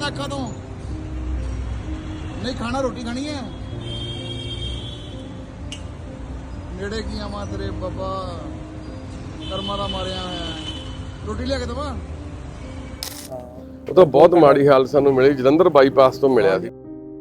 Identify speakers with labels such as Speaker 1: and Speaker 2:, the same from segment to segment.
Speaker 1: ਲੱਗਦਾ ਅੱਖਾਂ ਤੋਂ? ਨਹੀਂ ਖਾਣਾ, ਰੋਟੀ ਖਾਣੀ ਹੈ। ਨੇੜੇ ਕੀ ਆਵਾਂ ਤੇਰੇ ਬਾਬਾ, ਕਰਮਾਂ ਦਾ ਮਾਰਿਆ ਹੋਇਆ। ਰੋਟੀ ਲਿਆ ਕੇ ਦਵਾ।
Speaker 2: ਉਹ ਤਾਂ ਬਹੁਤ ਮਾੜੀ ਹਾਲਤ ਸਾਨੂੰ ਮਿਲੀ, ਜਲੰਧਰ ਬਾਈਪਾਸ ਤੋਂ ਮਿਲਿਆ ਸੀ।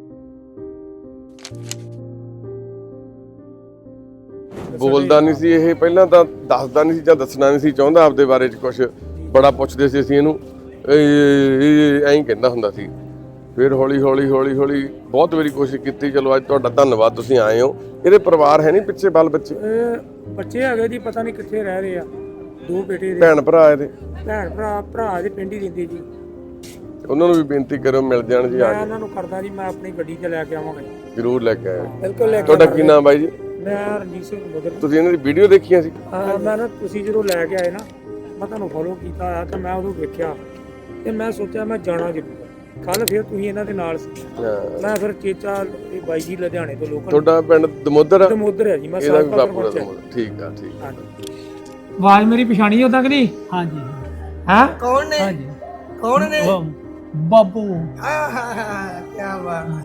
Speaker 2: ਬੋਲਦਾ ਨਹੀਂ ਸੀ ਇਹ, ਪਹਿਲਾਂ ਤਾਂ ਦੱਸਦਾ ਨਹੀਂ ਸੀ ਜਾਂ ਦੱਸਣਾ ਨਹੀਂ ਸੀ ਚਾਹੁੰਦਾ ਆਪਦੇ ਬਾਰੇ 'ਚ ਕੁਝ। ਬੜਾ ਪੁੱਛਦੇ ਸੀ ਅਸੀਂ ਇਹਨੂੰ, ਐਂ ਹੀ ਕਹਿੰਦਾ ਹੁੰਦਾ ਸੀ। ਫਿਰ ਹੌਲੀ ਹੌਲੀ ਬਹੁਤ ਵਾਰੀ ਕੋਸ਼ਿਸ਼ ਕੀਤੀ। ਚਲੋ ਅੱਜ ਤੁਹਾਡਾ ਧੰਨਵਾਦ, ਤੁਸੀਂ ਆਏ ਹੋ। ਇਹਦੇ ਪਰਿਵਾਰ ਹੈ ਨਹੀਂ ਪਿੱਛੇ, ਬਾਲ ਬੱਚੇ
Speaker 3: ਬੱਚੇ ਹੈਗੇ ਜੀ, ਪਤਾ ਨਹੀਂ ਕਿੱਥੇ ਰਹਿ ਰਹੇ ਆ। 2 ਬੇਟੇ,
Speaker 2: ਭੈਣ ਭਰਾ ਇਹਦੇ?
Speaker 3: ਭਰਾ ਦੇ ਪਿੰਡ ਹੀ ਰਹਿੰਦੇ ਜੀ।
Speaker 2: ਉਹਨਾਂ ਨੂੰ ਵੀ ਬੇਨਤੀ ਕਰੋ ਮਿਲ ਜਾਣ ਜੀ। ਆ
Speaker 3: ਮੈਂ ਉਹਨਾਂ ਨੂੰ ਕਰਦਾ ਜੀ, ਮੈਂ ਆਪਣੀ ਗੱਡੀ 'ਚ ਲੈ ਕੇ ਆਵਾਂਗਾ।
Speaker 2: ਜ਼ਰੂਰ ਲੈ ਕੇ ਆਇਓ।
Speaker 3: ਬਿਲਕੁਲ ਲੈ ਕੇ।
Speaker 2: ਤੁਹਾਡਾ ਕੀ ਨਾਮ ਬਾਈ ਜੀ?
Speaker 3: ਮੈਂ ਰਣਜੀਤ ਸਿੰਘ ਮਗਰ।
Speaker 2: ਤੁਸੀਂ ਇਹਨਾਂ ਦੀ ਵੀਡੀਓ ਦੇਖੀਆਂ ਸੀ?
Speaker 3: ਮੈਂ ਨਾ, ਤੁਸੀਂ ਜਦੋਂ ਲੈ ਕੇ ਆਏ ਨਾ, ਮੈਂ ਤੁਹਾਨੂੰ ਫੋਲੋ ਕੀਤਾ ਆ ਤਾਂ ਮੈਂ ਉਦੋਂ ਵੇਖਿਆ ਤੇ ਮੈਂ ਸੋਚਿਆ ਮੈਂ ਜਾਣਾ ਜ਼ਰੂਰ। ਕੱਲ ਫਿਰ ਤੁਸੀਂ ਇਹਨਾਂ ਦੇ ਨਾਲ ਸੀ। ਮੈਂ ਫਿਰ ਚੇਚਾ ਇਹ ਬਾਈ ਜੀ ਲੁਧਿਆਣੇ ਤੋਂ ਲੋਕਲ।
Speaker 2: ਤੁਹਾਡਾ ਪਿੰਡ ਦਮੋਦਰ?
Speaker 3: ਦਮੋਦਰ ਹੈ ਜੀ। ਮੈਂ
Speaker 2: ਇਹਦਾ ਵੀ ਬਾਪੂ ਦਾ ਦਮੋਦਰ। ਠੀਕ ਆ, ਠੀਕ ਆ।
Speaker 3: ਆਵਾਜ਼ ਮੇਰੀ ਪਛਾਣੀ ਉਦਾਂ ਕਿ ਨਹੀਂ? ਹਾਂਜੀ। ਹਾਂ,
Speaker 4: ਕੌਣ ਨੇ?
Speaker 3: ਹਾਂਜੀ,
Speaker 4: ਕੌਣ ਨੇ?
Speaker 3: ਬਾਪੂ।
Speaker 4: ਕੀ ਬਾਤ।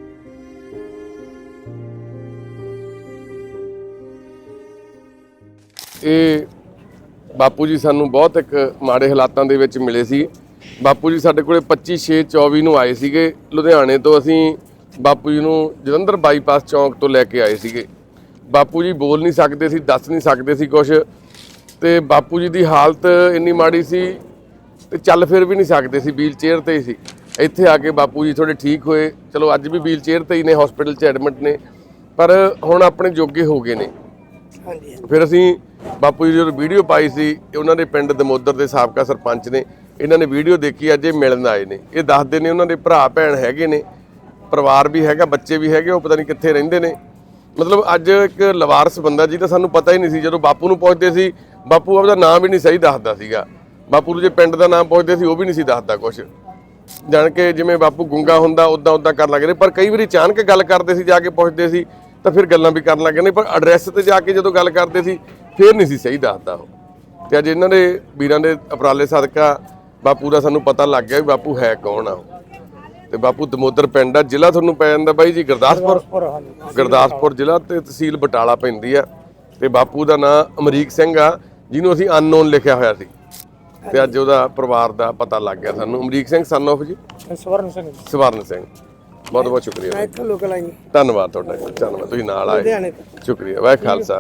Speaker 2: ਇਹ ਬਾਪੂ ਜੀ ਸਾਨੂੰ ਬਹੁਤ ਇੱਕ ਮਾੜੇ ਹਾਲਾਤਾਂ ਦੇ ਵਿੱਚ ਮਿਲੇ ਸੀ। ਬਾਪੂ ਜੀ ਸਾਡੇ ਕੋਲੇ 25/6/24 ਨੂੰ ਆਏ ਸੀਗੇ ਲੁਧਿਆਣੇ ਤੋਂ। ਅਸੀਂ ਬਾਪੂ ਜੀ ਨੂੰ ਜਲੰਧਰ ਬਾਈਪਾਸ ਚੌਂਕ ਤੋਂ ਲੈ ਕੇ ਆਏ ਸੀਗੇ। ਬਾਪੂ ਜੀ ਬੋਲ ਨਹੀਂ ਸਕਦੇ ਸੀ, ਦੱਸ ਨਹੀਂ ਸਕਦੇ ਸੀ ਕੁਝ, ਤੇ ਬਾਪੂ ਜੀ ਦੀ ਹਾਲਤ ਇੰਨੀ ਮਾੜੀ ਸੀ ਤੇ ਚੱਲ ਫਿਰ ਵੀ ਨਹੀਂ ਸਕਦੇ ਸੀ, ਵੀਲ ਚੇਅਰ ਤੇ ਹੀ ਸੀ। ਇੱਥੇ ਆ ਕੇ ਬਾਪੂ ਜੀ ਥੋੜੇ ਠੀਕ ਹੋਏ। ਚਲੋ ਅੱਜ ਵੀ ਵੀਲ ਚੇਅਰ ਤੇ ਹੀ ਨੇ, ਹਸਪੀਟਲ 'ਚ ਐਡਮਿਟ ਨੇ, ਪਰ ਹੁਣ ਆਪਣੇ ਜੋਗੇ ਹੋ ਗਏ ਨੇ। ਫਿਰ ਅਸੀਂ ਬਾਪੂ ਜੀ ਜਦੋਂ ਵੀਡੀਓ ਪਾਈ ਸੀ, ਉਹਨਾਂ ਦੇ ਪਿੰਡ ਦਮੋਦਰ ਦੇ ਸਾਬਕਾ ਸਰਪੰਚ ਨੇ, ਇਹਨਾਂ ਨੇ ਵੀਡੀਓ ਦੇਖੀ, ਅੱਜ ਇਹ ਮਿਲਣ ਆਏ ਨੇ। ਇਹ ਦੱਸਦੇ ਨੇ ਉਹਨਾਂ ਦੇ ਭਰਾ ਭੈਣ ਹੈਗੇ ਨੇ, ਪਰਿਵਾਰ ਵੀ ਹੈਗਾ, ਬੱਚੇ ਵੀ ਹੈਗੇ, ਉਹ ਪਤਾ ਨਹੀਂ ਕਿੱਥੇ ਰਹਿੰਦੇ ਨੇ। ਮਤਲਬ ਅੱਜ ਇੱਕ ਲਵਾਰਸ ਬੰਦਾ ਜੀ, ਤਾਂ ਸਾਨੂੰ ਪਤਾ ਹੀ ਨਹੀਂ ਸੀ। ਜਦੋਂ ਬਾਪੂ ਨੂੰ ਪੁੱਛਦੇ ਸੀ, ਬਾਪੂ ਆਪਦਾ ਨਾਮ ਵੀ ਨਹੀਂ ਸਹੀ ਦੱਸਦਾ ਸੀਗਾ। ਬਾਪੂ ਨੂੰ ਜੇ ਪਿੰਡ ਦਾ ਨਾਮ ਪੁੱਛਦੇ ਸੀ, ਉਹ ਵੀ ਨਹੀਂ ਸੀ ਦੱਸਦਾ ਕੁਝ। ਜਾਣ ਕੇ ਜਿਵੇਂ ਬਾਪੂ ਗੁੰਗਾ ਹੁੰਦਾ ਉੱਦਾਂ ਕਰਨ ਲੱਗ ਰਹੇ। ਪਰ ਕਈ ਵਾਰੀ ਅਚਾਨਕ ਗੱਲ ਕਰਦੇ ਸੀ, ਜਾ ਕੇ ਪੁੱਛਦੇ ਸੀ ਤਾਂ ਫਿਰ ਗੱਲਾਂ ਵੀ ਕਰਨ ਲੱਗ ਜਾਂਦੇ। ਪਰ ਐਡਰੈਸ ਤੇ ਜਾ ਕੇ ਜਦੋਂ ਗੱਲ ਕਰਦੇ ਸੀ, ਫਿਰ ਨਹੀਂ ਸੀ ਸਹੀ ਦੱਸਦਾ ਉਹ। ਤੇ ਅੱਜ ਇਹਨਾਂ ਦੇ ਵੀਰਾਂ ਦੇ ਉਪਰਾਲੇ ਸਦਕਾ ਬਾਪੂ ਦਾ ਸਾਨੂੰ ਪਤਾ ਲੱਗ ਗਿਆ ਵੀ ਬਾਪੂ ਹੈ ਕੌਣ ਆ ਉਹ। ਤੇ ਬਾਪੂ ਦਮੋਦਰ ਪਿੰਡ ਆ, ਜ਼ਿਲ੍ਹਾ ਤੁਹਾਨੂੰ ਪੈ ਜਾਂਦਾ ਬਾਈ ਜੀ ਗੁਰਦਾਸਪੁਰ ਜ਼ਿਲ੍ਹਾ ਤੇ ਤਹਿਸੀਲ ਬਟਾਲਾ ਪੈਂਦੀ ਆ। ਤੇ ਬਾਪੂ ਦਾ ਨਾਂ ਅਮਰੀਕ ਸਿੰਘ ਆ, ਜਿਹਨੂੰ ਅਸੀਂ ਅਨਨੋਨ ਲਿਖਿਆ ਹੋਇਆ ਸੀ, ਤੇ ਅੱਜ ਉਹਦਾ ਪਰਿਵਾਰ ਦਾ ਪਤਾ ਲੱਗ ਗਿਆ ਸਾਨੂੰ। ਅਮਰੀਕ ਸਿੰਘ ਸਨ ਆਫ ਜੀ
Speaker 3: ਸਵਰਨ ਸਿੰਘ।
Speaker 2: ਸਵਰਨ ਸਿੰਘ, ਬਹੁਤ ਬਹੁਤ ਸ਼ੁਕਰੀਆ।
Speaker 4: ਮੈਂ ਇੱਥੋਂ ਲੋਕਲ ਆਈ।
Speaker 2: ਧੰਨਵਾਦ ਤੁਹਾਡਾ ਜੀ, ਧੰਨਵਾਦ, ਤੁਸੀਂ ਨਾਲ ਆਏ। ਸ਼ੁਕਰੀਆ। ਵਾਹਿਗੁਰੂ ਖਾਲਸਾ।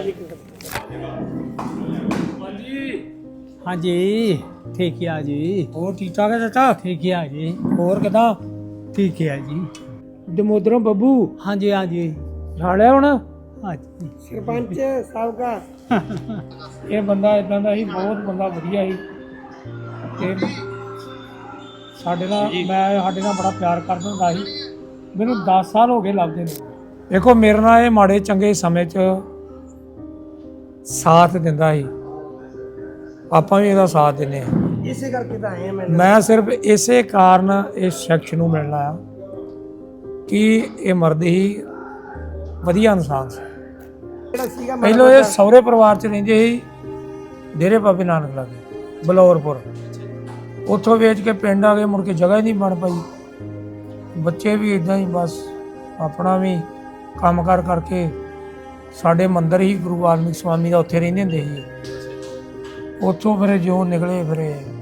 Speaker 5: ਹਾਂਜੀ, ਠੀਕ ਹੈ ਜੀ।
Speaker 3: ਹੋਰ ਠੀਕ ਠਾਕ ਹੈ ਚਾਚਾ?
Speaker 5: ਠੀਕ ਹੈ ਜੀ।
Speaker 3: ਹੋਰ ਕਿਦਾਂ?
Speaker 5: ਠੀਕ ਹੈ ਜੀ।
Speaker 3: ਦਮੋਦਰੋਂ ਬੱਬੂ
Speaker 5: ਹਾਂਜੀ ਹਾਂਜੀ।
Speaker 3: ਛਾੜਿਆ ਹੁਣ?
Speaker 5: ਹਾਂਜੀ।
Speaker 4: ਸਰਪੰਚ ਸਾਹਿਬ ਦਾ
Speaker 3: ਇਹ ਬੰਦਾ ਇਦਾਂ ਦਾ ਸੀ, ਬਹੁਤ ਬੰਦਾ ਵਧੀਆ ਸੀ ਤੇ ਸਾਡੇ ਨਾਲ ਬੜਾ ਪਿਆਰ ਕਰਦਾ ਹੁੰਦਾ ਸੀ। ਮੈਨੂੰ 10 ਸਾਲ ਹੋ ਗਏ ਲੱਭਦੇ ਨੇ। ਦੇਖੋ ਮੇਰੇ ਨਾਲ ਇਹ ਮਾੜੇ ਚੰਗੇ ਸਮੇਂ 'ਚ ਸਾਥ ਦਿੰਦਾ ਸੀ, ਆਪਾਂ ਵੀ ਇਹਦਾ ਸਾਥ ਦਿੰਦੇ ਹਾਂ।
Speaker 4: ਇਸੇ ਕਰਕੇ ਤਾਂ ਆਏ ਆ।
Speaker 3: ਮੈਂ ਸਿਰਫ ਇਸੇ ਕਾਰਨ ਇਸ ਸ਼ਖਸ ਨੂੰ ਮਿਲਣ ਆਇਆ ਕਿ ਇਹ ਮਰਦ ਹੀ ਵਧੀਆ ਇਨਸਾਨ ਸੀ। ਪਹਿਲਾਂ ਇਹ ਸਹੁਰੇ ਪਰਿਵਾਰ 'ਚ ਰਹਿੰਦੇ ਸੀ, ਡੇਰੇ ਬਾਬੇ ਨਾਨਕ ਲਾਗੇ ਬਲੌਰਪੁਰ। ਉੱਥੋਂ ਵੇਚ ਕੇ ਪਿੰਡ ਆ ਗਏ, ਮੁੜ ਕੇ ਜਗ੍ਹਾ ਹੀ ਨਹੀਂ ਬਣ ਪਾਈ। ਬੱਚੇ ਵੀ ਇਦਾਂ ਹੀ ਬਸ ਆਪਣਾ ਵੀ ਕੰਮ ਕਾਰ ਕਰਕੇ ਸਾਡੇ ਮੰਦਰ ਹੀ ਗੁਰੂ ਵਾਲਮੀਕ ਸਵਾਮੀ ਦਾ ਉੱਥੇ ਰਹਿੰਦੇ ਹੁੰਦੇ ਸੀ। ਉੱਥੋਂ ਫਿਰ ਜੋ ਨਿਕਲੇ ਫਿਰ